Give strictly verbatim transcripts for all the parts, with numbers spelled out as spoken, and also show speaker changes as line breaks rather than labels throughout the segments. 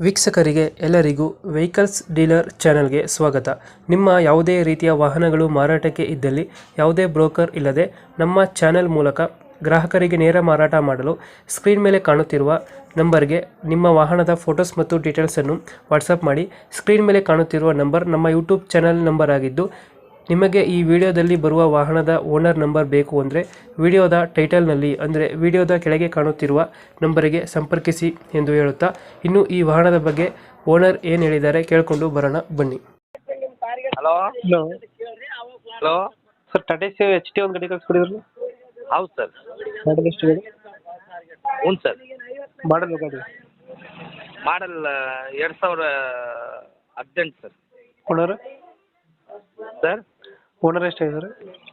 ವೀಕ್ಷಕರಿಗೆ ಎಲ್ಲರಿಗೂ vehicles dealer ಚಾನೆಲ್ಗೆ ಸ್ವಾಗತ. ನಿಮ್ಮ ಯಾವುದೇ ರೀತಿಯ ವಾಹನಗಳು ಮಾರಾಟಕ್ಕೆ ಇದ್ದಲ್ಲಿ ಯಾವುದೇ ಬ್ರೋಕರ್ ಇಲ್ಲದೆ ನಮ್ಮ ಚಾನೆಲ್ ಮೂಲಕ ಗ್ರಾಹಕರಿಗೆ ನೇರ ಮಾರಾಟ ಮಾಡಲು ಸ್ಕ್ರೀನ್ ಮೇಲೆ ಕಾಣುತ್ತಿರುವ ನಂಬರ್ಗೆ ನಿಮ್ಮ ವಾಹನದ ಫೋಟೋಸ್ ಮತ್ತು ಡೀಟೇಲ್ಸನ್ನು ವಾಟ್ಸಪ್ ಮಾಡಿ. ಸ್ಕ್ರೀನ್ ಮೇಲೆ ಕಾಣುತ್ತಿರುವ ನಂಬರ್ ನಮ್ಮ ಯೂಟ್ಯೂಬ್ ಚಾನೆಲ್ ನಂಬರ್ ಆಗಿದ್ದು, ನಿಮಗೆ ಈ ವಿಡಿಯೋದಲ್ಲಿ ಬರುವ ವಾಹನದ ಓನರ್ ನಂಬರ್ ಬೇಕು ಅಂದರೆ ವಿಡಿಯೋದ ಟೈಟಲ್ನಲ್ಲಿ ಅಂದರೆ ವಿಡಿಯೋದ ಕೆಳಗೆ ಕಾಣುತ್ತಿರುವ ನಂಬರಿಗೆ ಸಂಪರ್ಕಿಸಿ ಎಂದು ಹೇಳುತ್ತಾ, ಇನ್ನು ಈ ವಾಹನದ ಬಗ್ಗೆ ಓನರ್ ಏನು ಹೇಳಿದ್ದಾರೆ ಕೇಳಿಕೊಂಡು ಬರೋಣ ಬನ್ನಿ.
Hello
hello
hello
sir, Tata C H T ಒಂದು ಗಾಡಿ ಕಳಿಸ್ಕೊಡಿದ್ರಲ್ಲ,
ಹೌದು ಸರ್.
ಮಾಡಲ್ ಎಷ್ಟು ಗಾಡಿ?
ಹ್ಞೂ ಸರ್.
ಮಾಡಲ್ ಗಾಡಿ
ಮಾಡಲ್ ಎರಡು ಸಾವಿರ ಹದಿನೆಂಟು ಸರ್.
ಓನರ್
ಸರ್
ಓನರ್ ಎಷ್ಟಾಗಿದ್ದಾರೆ?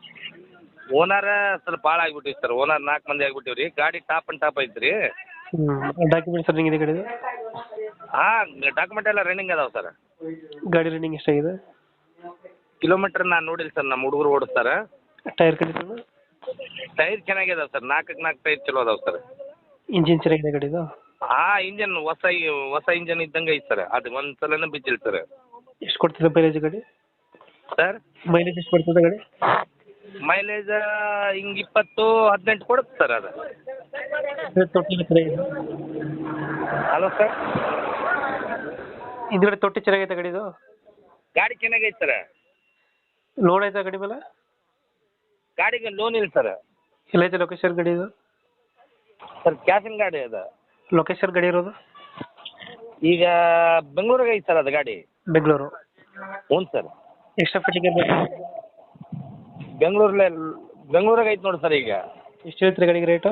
ಓನರ್ ಸ್ವಲ್ಪ ಭಾಳ ಆಗಿಬಿಟ್ಟಿವಿ ಸರ್. ಓನರ್ ನಾಲ್ಕು ಮಂದಿ ಆಗಿಬಿಟ್ಟಿವಿ ರೀ. ಗಾಡಿ ಟಾಪ್ ಆ್ಯಂಡ್ ಟಾಪ್ ಐತ್ರಿ.
ಹ್ಞೂ ಡಾಕ್ಯುಮೆಂಟ್ಸ್ ರನ್ನಿಂಗ್ ಇದೆ ಗಾಡಿದು?
ಹಾಂ, ಡಾಕ್ಯುಮೆಂಟ್ ಎಲ್ಲ ರನ್ನಿಂಗ್ ಅದಾವೆ ಸರ್.
ಗಾಡಿ ರನ್ನಿಂಗ್ ಎಷ್ಟಾಗಿದೆ?
ಕಿಲೋಮೀಟ್ರ್ ನಾನು ನೋಡಿಲ್ಲ ಸರ್, ನಮ್ಮ ಹುಡುಗರು ಓಡಿಸ್ತಾರೆ.
Tyre condition?
ಟೈರ್ ಚೆನ್ನಾಗಿದಾವೆ ಸರ್. ನಾಲ್ಕಕ್ಕೆ ನಾಲ್ಕು ಟೈರ್ ಚಲೋ ಅದಾವೆ ಸರ್.
ಇಂಜಿನ್ ಚೆನ್ನಾಗಿದೆ ಗಾಡಿದು?
ಹಾಂ, ಇಂಜನ್ ಹೊಸ ಹೊಸ ಇಂಜನ್ ಇದ್ದಂಗೆ ಐತೆ ಸರ್. ಅದು ಒಂದು ಸಲನೇ ಬಿದ್ದಿಲ್ಲ ಸರ್.
ಎಷ್ಟು ಕೊಡ್ತಿದೆ ಮೈಲೇಜ್ ಗಾಡಿ?
ಸರ್
ಮೈಲೇಜ್ ಎಷ್ಟು ಕೊಡ್ತದೆ ಗಾಡಿ?
ಮೈಲೇಜ್ ಹಿಂಗೆ ಇಪ್ಪತ್ತು ಹದಿನೆಂಟು ಕೊಡುತ್ತೆ ಸರ್. ಅದು
ತೊಟ್ಟಿ ಚೆನ್ನಾಗಿದೆ?
ಹಲೋ ಸರ್,
ಹಿಂದ್ಗಡೆ ತೊಟ್ಟಿ ಚೆನ್ನಾಗೈತೆ ಗಾಡಿದು?
ಗಾಡಿ ಚೆನ್ನಾಗೈತೆ ಸರ್.
ಲೋನ್ ಆಯ್ತಾ ಗಾಡಿ ಮೇಲೆ?
ಗಾಡಿಗೆ ಲೋನ್ ಇಲ್ಲ ಸರ್.
ಎಲ್ಲೈತೆ ಲೊಕೇಶನ್ ಗಾಡಿ ಇದು?
ಸರ್ ಕ್ಯಾಶಿನ ಗಾಡಿ ಅದು.
ಲೊಕೇಶನ್ ಗಾಡಿ ಇರೋದು?
ಈಗ ಬೆಂಗಳೂರಿಗೆ ಐತೆ ಸರ್ ಅದು ಗಾಡಿ.
ಬೆಂಗಳೂರು?
ಹ್ಞೂ ಸರ್.
ಎಕ್ಸ್ಟ್ರಾ ಫಿಟ್ಟಿಂಗ್ ಬೇಕು?
ಬೆಂಗಳೂರಲ್ಲೇ ಬೆಂಗಳೂರಾಗ ಐತೆ ನೋಡಿ ಸರ್. ಈಗ
ಎಷ್ಟು ಹೇಳ್ತೀರಿ ಗಾಡಿಗೆ ರೇಟು?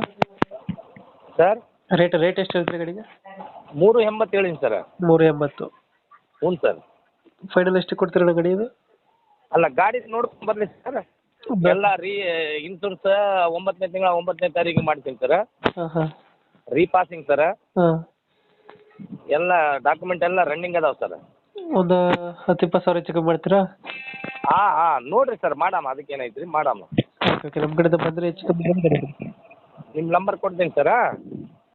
ಸರ್
ರೇಟ್ ರೇಟ್ ಎಷ್ಟು ಹೇಳ್ತೀರಿ ಗಾಡಿಗೆ?
ಮೂರು ಎಂಬತ್ತು ಹೇಳಿನಿ ಸರ್.
ಮೂರು ಎಂಬತ್ತು?
ಹ್ಞೂ ಸರ್.
ಫೈನಲ್ ಎಷ್ಟು ಕೊಡ್ತೀರಣ್ಣ ಗಾಡಿ ಇದು?
ಅಲ್ಲ, ಗಾಡಿ ನೋಡ್ಕೊಂಡು ಬರಲಿ ಸರ್. ಎಲ್ಲ ರೀ ಇನ್ಸೂರೆನ್ಸ್ ಒಂಬತ್ತನೇ ತಿಂಗಳ ಒಂಬತ್ತನೇ ತಾರೀಕು ಮಾಡ್ತೀನಿ ಸರ್.
ಹಾಂ ಹಾಂ.
Repassing sir.
ಹಾಂ.
ಎಲ್ಲ ಡಾಕ್ಯುಮೆಂಟ್ ಎಲ್ಲ ರನ್ನಿಂಗ್ ಅದಾವೆ ಸರ್.
ಒಂದು ಹತ್ತು ಇಪ್ಪತ್ತು ಸಾವಿರ ಹೆಚ್ಚು ಕಮ್ಮಿ ಮಾಡ್ತೀರಾ?
ಹಾಂ ಹಾಂ, ನೋಡಿರಿ ಸರ್, ಮಾಡಮ್ಮ. ಅದಕ್ಕೆ ಏನೈತೆ ರೀ, ಮಾಡಮ್ಮ.
ಓಕೆ ಓಕೆ, ನಮ್ಮ ಕಡೆಯಿಂದ ಬಂದರೆ ಹೆಚ್ಚು ಕಮ್ಮಿ ಮಾಡಿ ಗಾಡಿ ಕೊಡಿ.
ನಿಮ್ಮ ನಂಬರ್ ಕೊಡ್ತೀನಿ ಸರ್.